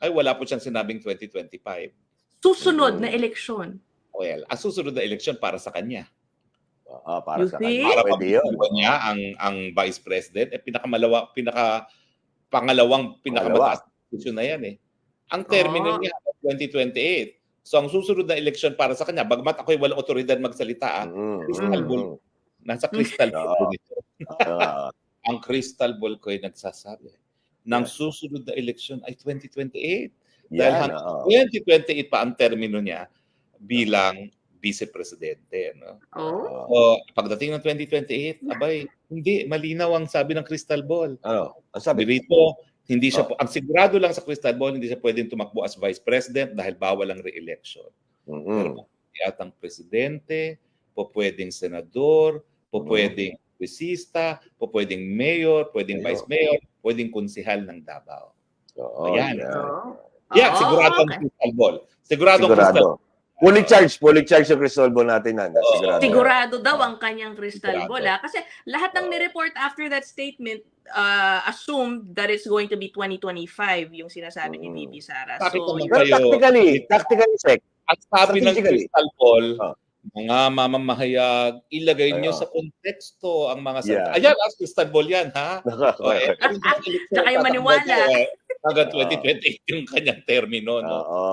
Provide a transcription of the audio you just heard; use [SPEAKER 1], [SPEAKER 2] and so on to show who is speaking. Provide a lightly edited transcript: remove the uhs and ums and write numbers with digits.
[SPEAKER 1] ay wala po siyang sinabing 2025.
[SPEAKER 2] Susunod na eleksyon.
[SPEAKER 1] Well, ang susunod na eleksyon para sa kanya.
[SPEAKER 3] Para
[SPEAKER 2] You
[SPEAKER 3] sa
[SPEAKER 2] think?
[SPEAKER 3] kanya.
[SPEAKER 1] Para
[SPEAKER 3] Pwede yun.
[SPEAKER 1] pagpapagawa niya ang Vice President, pangalawang pinakamataas na posisyon na yan eh. Ang termino niya 2028. So ang susunod na eleksyon para sa kanya, bagmat ako'y walang otoridad magsalita, crystal ball. Nasa crystal ball nito. Ang crystal ball ko ay nagsasabi ng susunod na eleksyon ay 2028. Dahil hanggang 2028 pa ang termino niya bilang vice-presidente. No? So, pagdating ng 2028, abay, hindi, malinaw ang sabi ng crystal ball.
[SPEAKER 3] Ang sabi
[SPEAKER 1] dito, hindi siya, ang sigurado lang sa crystal ball, hindi siya pwedeng tumakbo as vice president dahil bawal ang re-election. Pero ang presidente, pwedeng senador, pwedeng kongresista, pwedeng mayor, pwedeng vice mayor, pwedeng konsehal ng Davao. Ayan. Sigurado ang crystal ball. Sigurado.
[SPEAKER 3] Fully charged yung crystal ball natin.
[SPEAKER 2] Sigurado daw ang kanyang crystal ball. Kasi lahat ng ni-report after that statement assumed that it's going to be 2025 yung sinasabi ni VP Sara.
[SPEAKER 1] So,
[SPEAKER 3] pero tactically, Sec.
[SPEAKER 1] At sabi ng crystal ball, mga mamamahayag, ilagay nyo sa konteksto ang mga salita. Ayan, as crystal ball yan, ha?
[SPEAKER 2] Tsaka yung maniwala.
[SPEAKER 1] Hanggang 2028 yung kanyang termino, no?